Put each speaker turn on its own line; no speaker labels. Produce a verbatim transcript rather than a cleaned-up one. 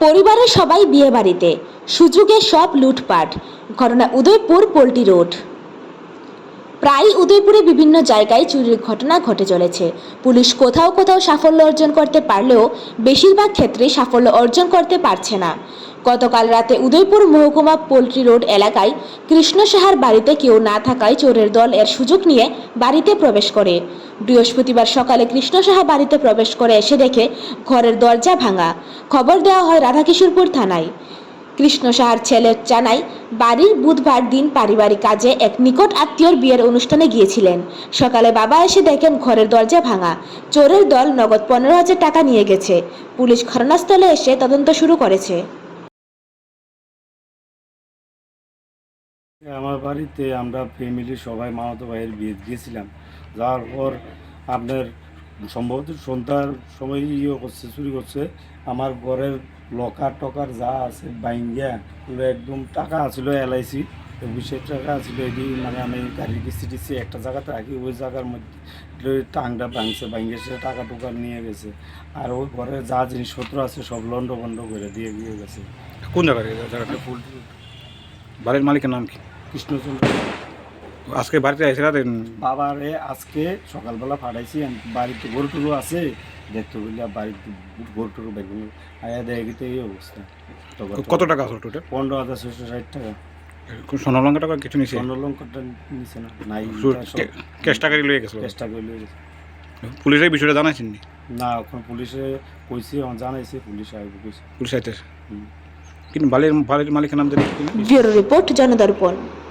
পরিবারের সবাই বিয়ে বাড়িতে, সুযোগে সব লুটপাট। ঘটনা উদয়পুর পোল্ট্রি রোড। প্রায় উদয়পুরে বিভিন্ন জায়গায় চুরির ঘটনা ঘটে চলেছে। পুলিশ কোথাও কোথাও সাফল্য অর্জন করতে পারলেও বেশিরভাগ ক্ষেত্রে সাফল্য অর্জন করতে পারছে না। গতকাল রাতে উদয়পুর মহকুমা পোল্ট্রি রোড এলাকায় কৃষ্ণ সাহার বাড়িতে কেউ না থাকায় চোরের দল এর সুযোগ নিয়ে বাড়িতে প্রবেশ করে। বৃহস্পতিবার সকালে কৃষ্ণ সাহা বাড়িতে প্রবেশ করে এসে দেখে ঘরের দরজা ভাঙা। খবর দেওয়া হয় রাধাকিশোরপুর থানায়। কৃষ্ণ সাহার ছেলে জানায়, বাড়ির বুধবার দিন পারিবারিক কাজে এক নিকট আত্মীয়র বিয়ের অনুষ্ঠানে গিয়েছিলেন। সকালে বাবা এসে দেখেন ঘরের দরজা ভাঙা। চোরের দল নগদ পনেরো হাজার টাকা নিয়ে গেছে। পুলিশ ঘটনাস্থলে এসে তদন্ত শুরু করেছে।
আমার বাড়িতে আমরা ফ্যামিলি সবাই মামাতো ভাইয়ের বিয়ে গিয়েছিলাম। যাওয়ার পর আপনার সম্ভবত সন্ধ্যার সময় ইয়ে করছে, চুরি করছে। আমার ঘরের লকার টকার যা আছে বাইঙ্গা পুরো একদম টাকা আছিল এলআইসি বিশ টাকা আছিল। এটি মানে আমি গাড়ির কিস্তি টিস্তি একটা জায়গাতে রাখি, ওই জায়গার মধ্যে টাংটা ভাঙছে, ভাঙে সে টাকা টুকা নিয়ে গেছে। আর ওই ঘরে যা জিনিসপত্র আছে সব লন্ড বন্ড করে দিয়ে দিয়ে গেছে।
কোন জায়গায় জায়গাটা?
পোল্ট্রি
বাড়ির মালিকের নাম কি?
কৃষ্ণচন্দ্র।
আজকে বাড়িতে এসে রাতেন?
বাবারে আজকে সকালবেলা পাঠাইছি, বাড়িতে গরু টরু আছে দেখতে বললে বাড়িতে গরু টরু বেগুন আয়া দেখি তো এই অবস্থা।
কত টাকা আসল টোটাল?
পনেরো হাজার ছশো ষাট টাকা।
সোনালঙ্কা টাকা কিছু নিছে?
স্বর্ণলঙ্কারটা নিছে না, নাই
ক্যাশ টাকা লয়ে গেছিল?
চেষ্টা করে লয়ে গেছে।
পুলিশের বিষয়টা জানাইছেন নি?
না, এখন পুলিশে কইছি, জানাইছে, পুলিশ আইব কইছে।
পুলিশ আইতেছে কিন্তু বাড়ির বাড়ির মালিকের নাম জানি?
Bureau report, জনদর্পণ।